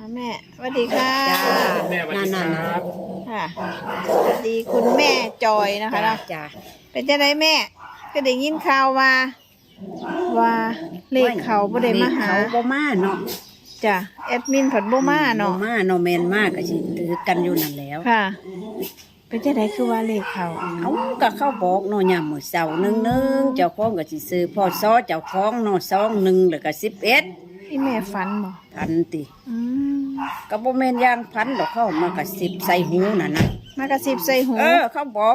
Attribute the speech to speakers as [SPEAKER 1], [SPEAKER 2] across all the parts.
[SPEAKER 1] แม่สวัสดีค่ะ
[SPEAKER 2] แม่สวัสดีครับ
[SPEAKER 1] ค่ะสวัสดีคุณแม่จอยนะคะเนาะ
[SPEAKER 3] จ้า
[SPEAKER 1] เป็นจังไดแม่ก็ได้ยินข่าวว่าเลขเขาบ่ได้มาหา
[SPEAKER 3] เขาบ่มาเนาะ
[SPEAKER 1] จ้ะแอดมินผัดบ่มาเนาะ
[SPEAKER 3] บ่มาเนาะแม่นมากก็สิถือกันอยู่นั่นแล้ว
[SPEAKER 1] ค่ะ เป็นจังไดคือว่าเลขเขา
[SPEAKER 3] เอาก็เข้าบอกเนาะยามมื้อเช้านึงเจ้าของก็สิซื้อพศเจ้าของเนาะ21แล้วก็11
[SPEAKER 1] ที่แม่ฝันบ่
[SPEAKER 3] พันติ
[SPEAKER 1] อืม
[SPEAKER 3] ก็บ่แม่นอย่างพันดอกเข้ามาก็10ใส่หูนั่นน่ะ
[SPEAKER 1] มากระซิบใส่หู
[SPEAKER 3] เขาบอก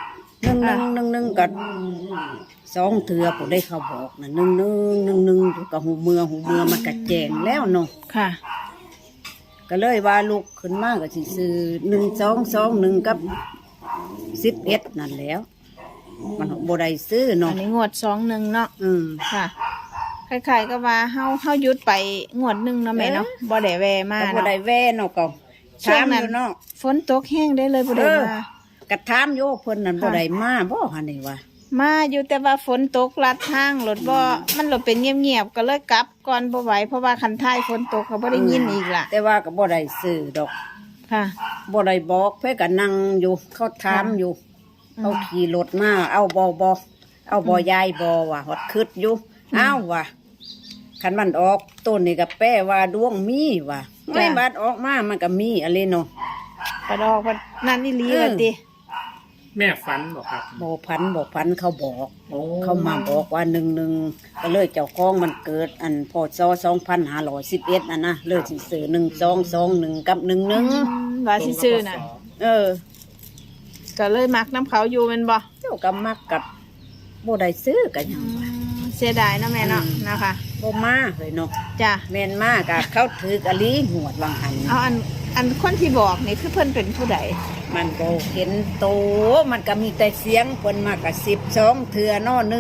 [SPEAKER 3] 11ก็2เทื่อผู้ได้เขาบอกน่ะ11อยู่กับหูเมือมันก็แจ้งแล้วเนาะ
[SPEAKER 1] ค่ะ
[SPEAKER 3] ก็เลยว่าลูกขึ้นมาก็สิซื้อ1221กับ11นั่นแหล้ว มันบ่ได้ซื้อ
[SPEAKER 1] อั
[SPEAKER 3] เนาะ
[SPEAKER 1] นนี้งวด21เนาะ ค่ะคล้ายๆก็ว่าเฮาหยุดไปงวดหนึงเนาะแม่เนาะบ่ได้แวะมา
[SPEAKER 3] ก็บ่
[SPEAKER 1] เนาะ
[SPEAKER 3] ได้แว่เนาะก็
[SPEAKER 1] ช่ว
[SPEAKER 3] ถาง ม
[SPEAKER 1] นั้
[SPEAKER 3] อน ยู่เนาะ
[SPEAKER 1] ฝนตกแห้งได้เลยบ่ได้มา
[SPEAKER 3] ก็ถามอยู่เพิ่นนั่น
[SPEAKER 1] ค่ะ
[SPEAKER 3] บ่ได้มาบ่หั่นนี่ว่า
[SPEAKER 1] มาอยู่แต่ว่าฝนตกลัดทางรถบ่มันรถเป็นเงียบๆก็เลยกลับก่อนบ่ไหวเพราะว่าคันท้ายฝนตกก็บ่ได้ยินอีกล่ะ
[SPEAKER 3] แต่ว่าก็บ่ได้ซื้อดอก
[SPEAKER 1] ค่ะ
[SPEAKER 3] บ่ได้บอกเพิ่นก็นั่งอยู่เขาถามอยู่
[SPEAKER 1] อืม
[SPEAKER 3] เขาขี่รถมาเอาบ่เอาบ่ยายบ่ว่าฮอดคึดอยู่อ้าวว่ะคันมันออกต้นนี่ก็แปลว่าดวงมีว่ะไม่บาดออกมามันก็มีอะไรเนาะ
[SPEAKER 1] กระดอกว่านั่นนี่ลีว่าติ
[SPEAKER 2] แม่ฝันบอกครับ
[SPEAKER 3] บ่พันเขาบอก
[SPEAKER 2] โอ้
[SPEAKER 3] เขามาบอกว่า11ก็เลยเจ้าของมันเกิดอันพศ2511นะเลยสิซื้อ1221กับ11
[SPEAKER 1] ว่าสิซื้อน่ะ
[SPEAKER 3] เออ
[SPEAKER 1] ก็เลยมักน้ำเขาอยู่แม่นบ่
[SPEAKER 3] เจ้าก็มักกับบ่ได้ซื้อกันหยังวะ
[SPEAKER 1] เสียดายเนาะแม่เนาะนะคะ
[SPEAKER 3] บ่มาเลยเนาะ
[SPEAKER 1] จ้ะ
[SPEAKER 3] แม่นมากะเขาถือกะลีหวดวังหัน
[SPEAKER 1] เอาอันคนที่บอกนี่คือเพิ่นเป็นผู้ใด
[SPEAKER 3] มันก็เห็นโตมันก็มีแต่เสียงเพิ่นมากะ12เทื่อเนาะ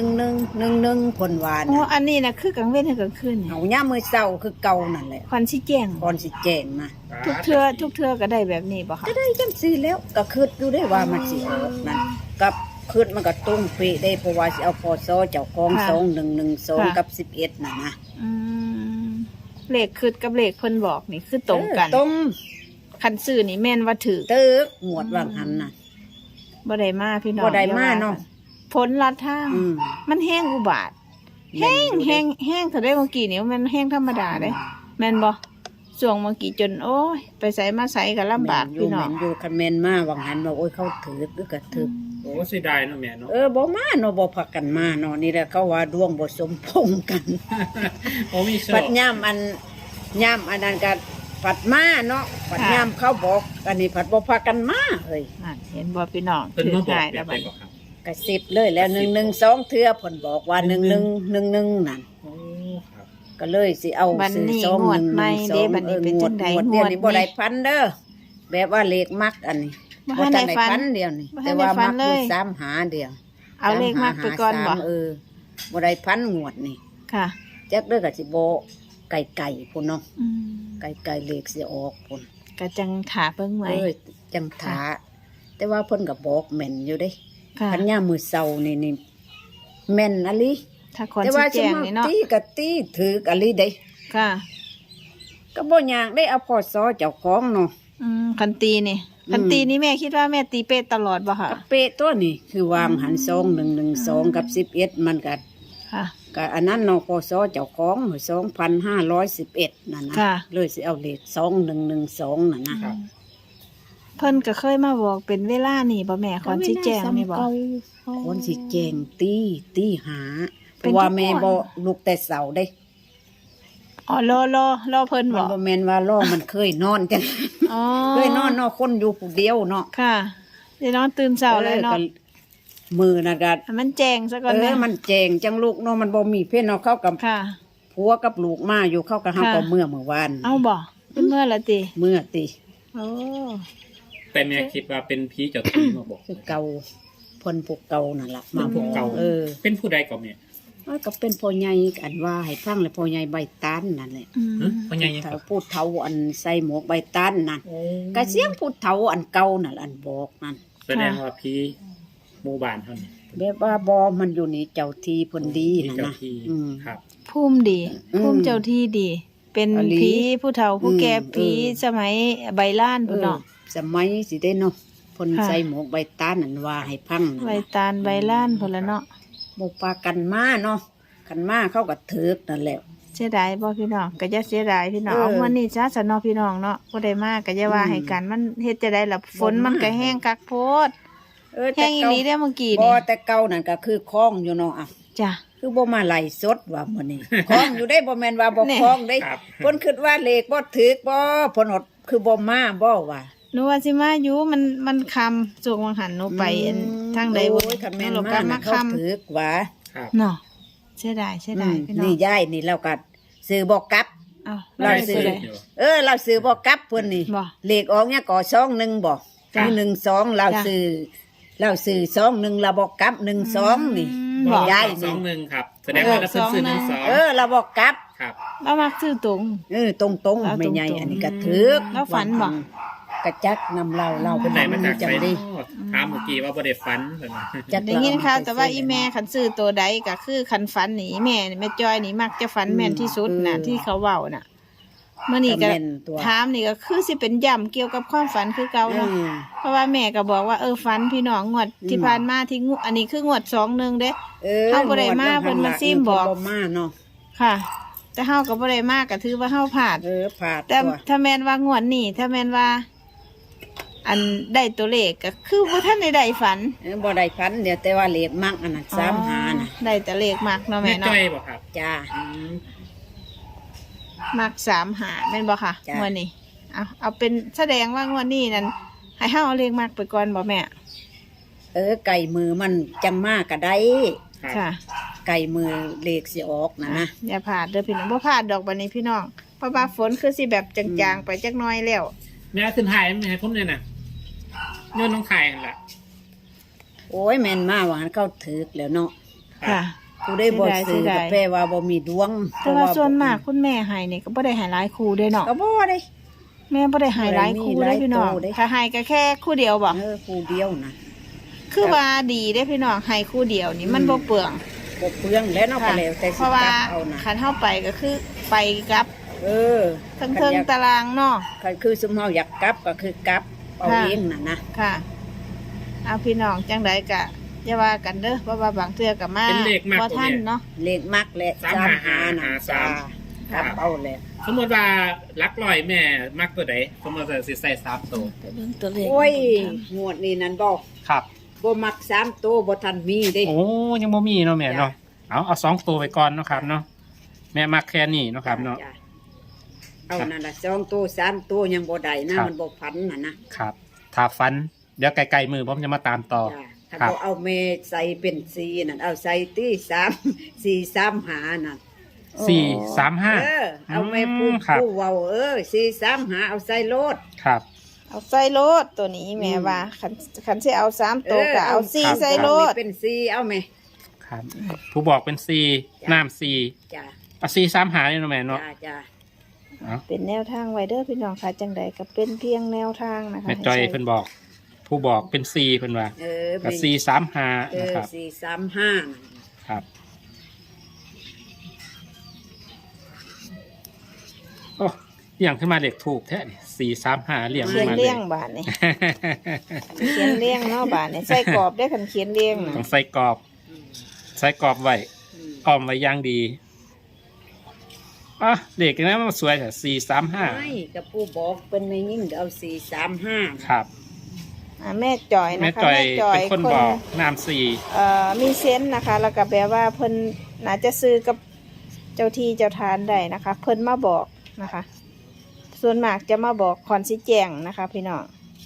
[SPEAKER 3] 11เพิ่นว่า
[SPEAKER 1] อ๋อ
[SPEAKER 3] น่ะ
[SPEAKER 1] อันนี้น่ะคือกลางเว้นให้กลางคืนนี่
[SPEAKER 3] เอายามมื้อเช้าคือเก่านั่นแหละ
[SPEAKER 1] ควันสิแจ้ง
[SPEAKER 3] ก่อนสิแจ้งมา
[SPEAKER 1] ทุกเทื่อก็ได้แบบนี้บ่คะ
[SPEAKER 3] ก็ได้จังซี่แล้วก็คิดอยู่ได้ว่ามันสิออกนั่นกับคิดมันก็ตรงเป๊ะได้เพราะว่าสิเอาพศเจ้าของ2112กับ11น่ะนะ
[SPEAKER 1] อืมเลขคือกับเลขเพิ่นบอกนี่คือตรงกัน
[SPEAKER 3] ตรง
[SPEAKER 1] คันซื้อนี่แม่นว่าถือ
[SPEAKER 3] ตึกหมวดวังหันน่ะ
[SPEAKER 1] บ่ได้มาพี่น้อง
[SPEAKER 3] บ่ได้มาเนาะ
[SPEAKER 1] ผลลัดทาง
[SPEAKER 3] อืม
[SPEAKER 1] มันแห้งอุบาทแห้งถ้าได้เมื่อกี้นี่มันแห้งธรรมดาเด้แม่นบ่ช่วงเมื่อกี้จนโอ้ยไปใส่มาใส่ก็ลำบาก
[SPEAKER 3] แม่
[SPEAKER 1] พี่น้อง
[SPEAKER 3] อยู่คันแม่นมาวังหันว่าโอ้ยเขาถือหรือก็ถือ
[SPEAKER 2] โอ้เสียดายเนาะแม่เนาะ
[SPEAKER 3] บ่มาเนาะบ่พักกันมาเนาะนี่แหละเขาว่าดวงบ่สมพงษ์กัน
[SPEAKER 2] โอ้มีโช
[SPEAKER 3] ปั
[SPEAKER 2] ค
[SPEAKER 3] ดย่ำอันนั้นก็ปัดมาเนาะปัดย่ำเขาบอกอันนี้ปัดบ่พักกันมาเฮ้ย
[SPEAKER 1] นั่นเห็นบ่พี่น้อง
[SPEAKER 2] เพิ่น
[SPEAKER 1] ถือ
[SPEAKER 2] มาบอก
[SPEAKER 1] ง่าย
[SPEAKER 2] แบ
[SPEAKER 1] แล้ว
[SPEAKER 2] บ
[SPEAKER 1] บั
[SPEAKER 2] ไห
[SPEAKER 1] ด
[SPEAKER 2] น
[SPEAKER 1] นี้
[SPEAKER 2] บอกครับ
[SPEAKER 3] กระสิบเลยแล้ว112เทื่อเพิ่นบอกว่า1111นั่น
[SPEAKER 2] โอ้ครับ
[SPEAKER 3] ก็เลยสิเอา
[SPEAKER 1] บัด
[SPEAKER 3] ซื้อ
[SPEAKER 1] นี้
[SPEAKER 3] สอง
[SPEAKER 1] งวด
[SPEAKER 3] 112
[SPEAKER 1] ใหม่เด้บัดนี้เป็นจังใด
[SPEAKER 3] งวด
[SPEAKER 1] ง
[SPEAKER 3] เดียว
[SPEAKER 1] วด
[SPEAKER 3] นี้บ่ได้
[SPEAKER 1] นี้
[SPEAKER 3] พันเด้อแบบว่าเลขมักอันนี้
[SPEAKER 1] บ่
[SPEAKER 3] บ่
[SPEAKER 1] ทัน
[SPEAKER 3] ทั
[SPEAKER 1] ได้
[SPEAKER 3] นได้
[SPEAKER 1] ฝัน
[SPEAKER 3] พันเดียวนี่
[SPEAKER 1] บ่ทั
[SPEAKER 3] แต่
[SPEAKER 1] นได้
[SPEAKER 3] ว่า
[SPEAKER 1] ฝั
[SPEAKER 3] มั
[SPEAKER 1] น
[SPEAKER 3] ก
[SPEAKER 1] เล
[SPEAKER 3] อยู่
[SPEAKER 1] ย
[SPEAKER 3] 3หาเดียว
[SPEAKER 1] เอาเลขมากไปก่อนบ่
[SPEAKER 3] บ่ได้พันงวดนี่
[SPEAKER 1] ค่ะ
[SPEAKER 3] จักเด้อก็สิบ่ไก่พุ่นเนาะ
[SPEAKER 1] อืม
[SPEAKER 3] ไก่เลขสิออกพุ่น
[SPEAKER 1] ก็จังถาเบิ่งไว้
[SPEAKER 3] จังถาแต่ว่าเพิ่นก็บอกแม่นอยู่เด้
[SPEAKER 1] ค่ะ
[SPEAKER 3] คันยามมื้อเช้านี่แม่นอะลิ
[SPEAKER 1] ถ้าคน
[SPEAKER 3] แต่
[SPEAKER 1] สิ
[SPEAKER 3] ว่า
[SPEAKER 1] แจ้งนี่เนาะ
[SPEAKER 3] ตีก็ตีถืออะลิเด้
[SPEAKER 1] ค่ะ
[SPEAKER 3] ก็บ่อยากได้เอาพศเจ้าของเนาะ
[SPEAKER 1] คันตีนี่
[SPEAKER 3] อืม
[SPEAKER 1] คันตีนี่แม่คิดว่าแม่ตีเป๊ะตลอดบ่ค่ะ
[SPEAKER 3] ก็เป๊ะตัวนี่คือวางหัน2112กับ11มันก็
[SPEAKER 1] ค่ะ
[SPEAKER 3] ก็อันนั้นเนาะพศเจ้าของ2511นั่นนะ
[SPEAKER 1] ค่ะ
[SPEAKER 3] เลยสิเอาเลข2112นั่นนะครับ
[SPEAKER 1] เพิ่นก็เคยมาบอกเป็นเวลานี่บ่แม่คอนสิแจ้งนี่บ่
[SPEAKER 3] คนสิแจ้งตีหาเพ
[SPEAKER 1] เป็น
[SPEAKER 3] ราะว่า
[SPEAKER 1] ทุก
[SPEAKER 3] แม่
[SPEAKER 1] คน
[SPEAKER 3] บ่ลุกแต่เสาเด้
[SPEAKER 1] อ๋อรอเพิ่น
[SPEAKER 3] มั
[SPEAKER 1] บ่
[SPEAKER 3] นบ่แม่นว่าล่อมันเคยนอนจัง
[SPEAKER 1] อ๋อ
[SPEAKER 3] เคยนอนเนาะคนอยู่ผู้เดียวเนาะ
[SPEAKER 1] ค่ะเดี๋ยวนอนตื่นเช้าเลยเนาะ
[SPEAKER 3] ก็มือน่ะก็
[SPEAKER 1] ให้มันแจ้งซะก่อนแม่
[SPEAKER 3] มันแจงจังลูกเนาะมันบ่มีเพิ่นเนาะเข้ากับ
[SPEAKER 1] ค่ะ
[SPEAKER 3] ผัวกับลูกมาอยู่เข้ากับเฮา
[SPEAKER 1] ค่ะ
[SPEAKER 3] ก็เมื่อวาน
[SPEAKER 1] เอาบ่เป็นเมื่อละติ
[SPEAKER 3] เมื่อติ
[SPEAKER 1] โอ้
[SPEAKER 2] แต่แม่คิดว่าเป็นผีเจ้าที่มาบอก
[SPEAKER 3] คือเก่าเพิ่นพวกเก่านั่นล่ะ
[SPEAKER 2] มาพวกเก่า เป็นผู้ใดก่อนแม่
[SPEAKER 3] มันก็เป็นพ่อใหญ่อันว่าให้ฟังเลยพ่อใหญ่ใบตานนั่นแหละ
[SPEAKER 1] อืม
[SPEAKER 2] ฮะพ่อใหญ่ยัง
[SPEAKER 3] ถ้า
[SPEAKER 2] ครับ
[SPEAKER 3] พูดเฒ่าอันใส่หมวกใบตานนั่น
[SPEAKER 2] โอ้
[SPEAKER 3] ก็เสียงพูดเฒ่าอันเก่านั่นอันบอกนั่น
[SPEAKER 2] แสดงว่าผีหมู่บ้านเท่านี้
[SPEAKER 3] แบบว่าบ่มันอยู่นี่เจ้าที่เพิ่นดี
[SPEAKER 2] ผี
[SPEAKER 3] นั่น
[SPEAKER 2] เจ้า
[SPEAKER 3] นะ
[SPEAKER 2] ที่
[SPEAKER 3] อืม
[SPEAKER 2] ครับ
[SPEAKER 1] ภูมิดี
[SPEAKER 3] อืม
[SPEAKER 1] ภูมิเจ้าที่ดี
[SPEAKER 3] ม
[SPEAKER 1] เป็น
[SPEAKER 3] อลี
[SPEAKER 1] ผีผู้เฒ่าผู้แก่
[SPEAKER 3] อืม
[SPEAKER 1] ผีสมัยใบล้านพุ่นเนาะ
[SPEAKER 3] สมัยสิได้เนาะเพิ่น
[SPEAKER 1] ค่ะ
[SPEAKER 3] ใส่หมวกใบตาลนั่นว่าให้พังนั่น
[SPEAKER 1] ใบ
[SPEAKER 3] น่ะ
[SPEAKER 1] ตาลใบล้านพุ่นละเนาะ
[SPEAKER 3] บ่ปากันมาเนาะกันมาเขาก็ถึกนั่นแหละ
[SPEAKER 1] เสียดายบ่พี่น้องก็จะเสียดายพี่น้อง
[SPEAKER 3] เออ
[SPEAKER 1] เอามื้อนี้จ้าสนอพี่น้องเนาะบ่ได้มาก็อย่าว่า
[SPEAKER 3] อืม
[SPEAKER 1] ให้กันมันเฮ็ดจะได้ล่ะฝน
[SPEAKER 3] บ่มามั
[SPEAKER 1] มันก็แห้งคักโพด
[SPEAKER 3] แต่
[SPEAKER 1] แห้งอีหลีเด้อเมื่อกี้
[SPEAKER 3] บ่
[SPEAKER 1] นี่
[SPEAKER 3] แต่เก่านั่นก็คือคล้องอยู่เนาะอ่ะ
[SPEAKER 1] จ้ะ
[SPEAKER 3] คือบ่มาไล่สดว่ามื้อนี้ คล้องอยู่ได้บ่แม่นว่าบ่
[SPEAKER 1] แน่
[SPEAKER 3] คล้องได้
[SPEAKER 2] ครับ
[SPEAKER 3] เพิ่นคิดว่าเลขบ่ถึกบ่เพิ่นอดคือบ่มาบ่ว่า
[SPEAKER 1] หนูว่าสิมาอยู่มันคำส่งวังหันหนูไปอันทางใดบ่
[SPEAKER 3] โอ้ยคันแม่น
[SPEAKER 1] หนู
[SPEAKER 3] มา
[SPEAKER 1] ก็
[SPEAKER 3] น่ะ
[SPEAKER 1] มา
[SPEAKER 3] เขา
[SPEAKER 1] คำ
[SPEAKER 3] ถึกว่า
[SPEAKER 2] ครับ
[SPEAKER 1] เนาะเสียดายพี่น้อง
[SPEAKER 3] นี่ยายนี่เราก็ซื้อบ่กลับ
[SPEAKER 1] เอา
[SPEAKER 3] เรา
[SPEAKER 1] ได้
[SPEAKER 3] ซื้
[SPEAKER 1] ซื้
[SPEAKER 3] อ
[SPEAKER 1] อได้
[SPEAKER 3] เราซื้อบ่กลับเพิ่นนี่
[SPEAKER 1] บ่
[SPEAKER 3] เลขออกเนี่ยก่อ21บ่
[SPEAKER 1] จ้ะ
[SPEAKER 3] มี12เรา
[SPEAKER 1] จ้ะ
[SPEAKER 3] ซื้อ21เราบ่กลับ12นี่
[SPEAKER 1] บ่
[SPEAKER 3] ยาย
[SPEAKER 2] สอ
[SPEAKER 3] นี่
[SPEAKER 2] งหนึ่งครับ แสดงว่าเราเพิ่นซื้อหนึ่งสอง
[SPEAKER 3] เราบ่กลับ
[SPEAKER 2] ครับ
[SPEAKER 1] เรามักซื้อตรง
[SPEAKER 3] ตรง
[SPEAKER 1] เอา
[SPEAKER 3] ๆไม่ใหญ่
[SPEAKER 1] ตรงๆ
[SPEAKER 3] อันนี้ก็ถึก
[SPEAKER 1] แล้วฝันบ่
[SPEAKER 3] กระจักนำเราเป็น
[SPEAKER 2] ไหนมาจาก
[SPEAKER 3] จั
[SPEAKER 2] ไหน
[SPEAKER 3] งดี
[SPEAKER 2] ถามเมื่อกี้ว่าบ่ได้ฝันเพิ่นว่า
[SPEAKER 3] จัก
[SPEAKER 1] ได้ยินค่ะแต่ว่าอีแม่ขันซื้อตัวใดก็คือขันฝันนี่แม่นี่แม่จอยนี่มักจะฝันแม่นที่สุดน่ะที่เขาเว้าน่ะเมื่อนี้ก็
[SPEAKER 3] แม่นตัว
[SPEAKER 1] ถามนี่ก็คือสิเป็นย่ำเกี่ยวกับความฝันคือเก่าเนาะ เพราะว่าแม่ก็บอกว่าฝันพี่น้องงวดที่ผ่านมาที่งวดอันนี้คืองวด2-1เด้ เฮาบ่ได้มาเพิ่นมาซิมบอก
[SPEAKER 3] เพิ่นมาเนาะ
[SPEAKER 1] ค่ะ แต่เฮาก็บ่ได้มากก็ถือว่าเฮาพลาด
[SPEAKER 3] ผาด
[SPEAKER 1] แต่
[SPEAKER 3] ตัว
[SPEAKER 1] ถ้าแม่นว่างวดนี้ถ้าแม่นว่า อันได้ตัวเลขก็คือบ่ทันได้ฝัน
[SPEAKER 3] บ่ได้พันเดี๋ยวแต่ว่าเลขมักอันนั้น3หาน่ะ
[SPEAKER 1] ได้แต่เลขมักเนาะ
[SPEAKER 2] แม่
[SPEAKER 1] แม่
[SPEAKER 2] จ้
[SPEAKER 1] เนาะ
[SPEAKER 2] อยบ่ครับ
[SPEAKER 3] จ้า
[SPEAKER 2] อืม
[SPEAKER 1] มัก3หาแม่นบ่ค่ะ
[SPEAKER 3] จ้ะ
[SPEAKER 1] งวดนี้เอาเป็นแสดงว่างวดนี้นั้นให้เฮาเอาเลขมักไปก่อนบ่แม่
[SPEAKER 3] ไก่มือมันจังมากก็ได้
[SPEAKER 2] ครับ
[SPEAKER 1] ค่ะ
[SPEAKER 3] ไก่มือเลขสิออกนะ
[SPEAKER 1] อย่าพลาดเด้อพี่น้องบ่พลาดดอกบัดนี้พี่น้องเพราะว่าฝนคือสิแบบจางๆไปจักหน่อยแล้ว
[SPEAKER 2] แม่ขึ้นถ่ายแม่ผมเนี่ยน่ะเนื้อน้องถ่ายนั่นล่ะ
[SPEAKER 3] โอ้ยแม่นมาว่าหันเข้าถึกแล้วเนาะ
[SPEAKER 1] ค่ะ
[SPEAKER 3] ผู้ได้บ่ซื้อ
[SPEAKER 1] เสียดาย
[SPEAKER 3] ก็แปลว่าบ่มีดวง
[SPEAKER 1] แต่ว่าส่วนมากคุณแม่ให้นี่ก็บ่ได้ให้หลายคู่เด้เนาะ
[SPEAKER 3] ก็บ่ได้
[SPEAKER 1] แม่บ่ได้ให้หลายคู่เด้พี่น้อง
[SPEAKER 3] หลายคู่เด้
[SPEAKER 1] ถ้าให้ก็แค่คู่เดียวบ่
[SPEAKER 3] คู่เดียวนะ
[SPEAKER 1] คือว่าดีเด้พี่น้องให้คู่เดียวนี่มันบ่เปลือง
[SPEAKER 3] บ่เปลืองแล้วเนาะก็
[SPEAKER 1] ค่ะ
[SPEAKER 3] แล้วแต่สิ
[SPEAKER 1] เพราะว่า
[SPEAKER 3] จับเอานะ
[SPEAKER 1] คันเฮาไปก็คือไปกับ
[SPEAKER 3] เออ
[SPEAKER 1] เทิงๆตารางเนาะ
[SPEAKER 3] คันคือสมเฮาอยากกลับก็คือกลับเอา
[SPEAKER 1] ค่ะ
[SPEAKER 3] เองน่ะนะ
[SPEAKER 1] ค่ะเอาพี่น้องจังไดก็อย่าว่ากันเด้อเพราะว่าบางเทื่อก็มา
[SPEAKER 2] เป็นเลขมาก
[SPEAKER 1] บ่
[SPEAKER 2] กว่า
[SPEAKER 1] ทัน
[SPEAKER 2] แม่
[SPEAKER 1] เนาะ
[SPEAKER 3] เลขมักและ
[SPEAKER 2] 3
[SPEAKER 3] 3
[SPEAKER 2] หา
[SPEAKER 3] หาน่ะ
[SPEAKER 2] สาม
[SPEAKER 3] กลับเอาแหละ
[SPEAKER 2] สมมติว่าลักลอยแม่มักตัวใดสมมติว่าสิใส่3ตัว
[SPEAKER 1] ไปเบิ่งตัวเลข
[SPEAKER 3] โอ้ยงวดนี้นั่นบ่
[SPEAKER 2] ครับ
[SPEAKER 3] บ่มัก3ตัวบ่ทันมีเด้
[SPEAKER 2] โอ้ยังบ่มีเนาะแม่เนาะเอา2ตัวไปก่อนเนาะครับเนาะแม่มักแค่นี้เนาะครับเนาะ
[SPEAKER 3] จ้เอานั่นล่ะ2ตัว3ตัวยังบ่ได้นะครับ มันบ่พันน่ะนะครับ
[SPEAKER 2] ถ้าฟันเดี๋ยวไกลๆมือผมจะมาตามต่อ
[SPEAKER 3] จ้ะถ้า
[SPEAKER 2] ครับ
[SPEAKER 3] บ่เอาเมใส่เป็นสีนั่นเอาใส่ที่3 4 3หานั่น
[SPEAKER 2] 4-3-5
[SPEAKER 3] เอาแม่ผู้
[SPEAKER 2] ครับ
[SPEAKER 3] ผู้เว้า4 3หาเอาใส่โลด
[SPEAKER 2] ครับ
[SPEAKER 1] เอาใส่โลดตัวนี้แม่ว่าคันสิเอา3ตัวก็เอา
[SPEAKER 2] ครับ
[SPEAKER 1] 4ใส่โลด
[SPEAKER 3] เอาเป็นสีเอาแม่
[SPEAKER 2] ครับ ผู้บอกเป็น4น้ำ4
[SPEAKER 3] จ้า
[SPEAKER 2] เอา4-3-5นี่เนาะแม่เนาะ
[SPEAKER 3] จ้า
[SPEAKER 2] เอา
[SPEAKER 1] เป็นแนวทางไว้เด้อพี่น้องค่ะจังใดก็เป็นเพียงแนวทางนะคะ
[SPEAKER 2] แม่จอย
[SPEAKER 1] ให้ใช้
[SPEAKER 2] เพิ่นบอก ผู้บอกเป็น4เพิ่นว่า กับ
[SPEAKER 3] แม่
[SPEAKER 2] 4-3-5นะครับ
[SPEAKER 3] 4 3 5นั่น
[SPEAKER 2] ครับโอ้เลี้ยงขึ้นมาเด็กถูกแท้นี่4-3-5เลี้ยง
[SPEAKER 1] เขี
[SPEAKER 2] ขึ้
[SPEAKER 1] ย
[SPEAKER 2] น
[SPEAKER 1] น
[SPEAKER 2] มาเล
[SPEAKER 1] เลี้
[SPEAKER 2] ย
[SPEAKER 1] ยงบาทนี่ เขียนเลี้ยงเนาะบาทนี่ใส่กรอบได้คันเขียนเลี้ยงน่ะ
[SPEAKER 2] ต้องใส่กรอบ ใส่กรอบไว้
[SPEAKER 3] อืม
[SPEAKER 2] อ้อมไว้อย่างดีอ่ะเด็กนะมันสวยแต่4-3-5
[SPEAKER 3] ไม่กับผู้บอกเป็นในยิ่งเอา4 3 5
[SPEAKER 2] ครับ
[SPEAKER 1] แม่จอย
[SPEAKER 2] แม่
[SPEAKER 1] นะคะ
[SPEAKER 2] จอย
[SPEAKER 1] แม่จอย
[SPEAKER 2] เป็นคนบอกน้ำ4
[SPEAKER 1] มีเซนส์นะคะ แล้วก็แปลว่าเพิ่นน่าจะซื้อกับเจ้าที่เจ้าทานได้นะคะ เพิ่นมาบอกนะคะ ส่วนมากจะมาบอกคอนสิแจงนะคะ พี่น้อง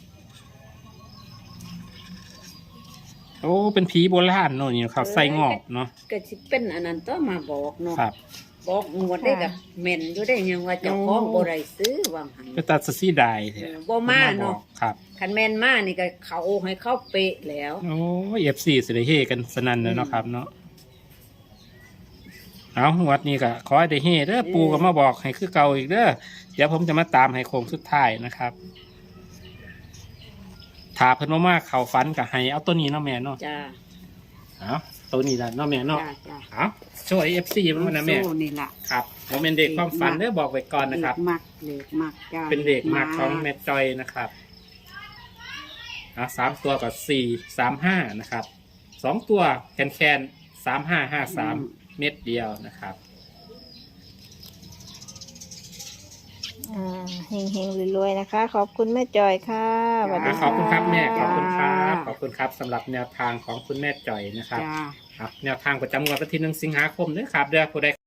[SPEAKER 2] โอ้เป็นผีโบราณเนาะนี่ครับใส่งอกเนาะ
[SPEAKER 3] ก็สิเป็นอันนั้นต้องมาบอกเนาะ
[SPEAKER 2] ครับ
[SPEAKER 3] บอกงวดได้กับแม่นอยู่ได้ยังว่าเจ้าของบ่ได้ซื้อวางหัน
[SPEAKER 2] ก็ตัดสีได้
[SPEAKER 3] เอ
[SPEAKER 2] แท้
[SPEAKER 3] อบ่มาเนาะ
[SPEAKER 2] ครับ
[SPEAKER 3] คันแม่นมานี่ก็เขาให้เข้าเป๊ะแล้ว
[SPEAKER 2] โอ้ย FC สิได้เฮกันสนั่นเลยเนาะครับเนาะเอางวดนี้ก็ขอให้ได้เฮเด้อปูก็มาบอกให้คือเก่าอีกเด้อเดี๋ยวผมจะมาตามให้โค้งสุดท้ายนะครับถ้าเพิ่นบ่มาเข้าฝันก็ให้เอาตัวนี้เนาะแม่เนาะ
[SPEAKER 3] จ้า
[SPEAKER 2] เอาตัวนี้แหละเนาะแม่เนาะ
[SPEAKER 3] จ้าจ้า
[SPEAKER 2] เอาช่วยเอฟซีมันนะแม่
[SPEAKER 3] สู้นี่ล่ะ
[SPEAKER 2] ครับโมเมนต์เด็กความฝันเด้อบอกไว้ก่อนนะครับ
[SPEAKER 3] เลขมักจ้า
[SPEAKER 2] เป็นเด็กมากของแม่จอยนะครับสามตัวกับ435นะครับ2ตัวแคน3553เม็ดเดียวนะครับ
[SPEAKER 1] เฮงๆรวยๆนะคะ ขอบคุณแม่จอยค่ะสวัสดี
[SPEAKER 2] ขอบคุณครับแม่ข
[SPEAKER 1] ะ
[SPEAKER 2] อบคุณครับขอบคุณครับสำหรับแนวทางของคุณแม่จอยนะครับ
[SPEAKER 3] จ้า
[SPEAKER 2] ครับแนวทางประจำงวดวันที่1 สิงหาคมด้วยครับเด้อผู้ใด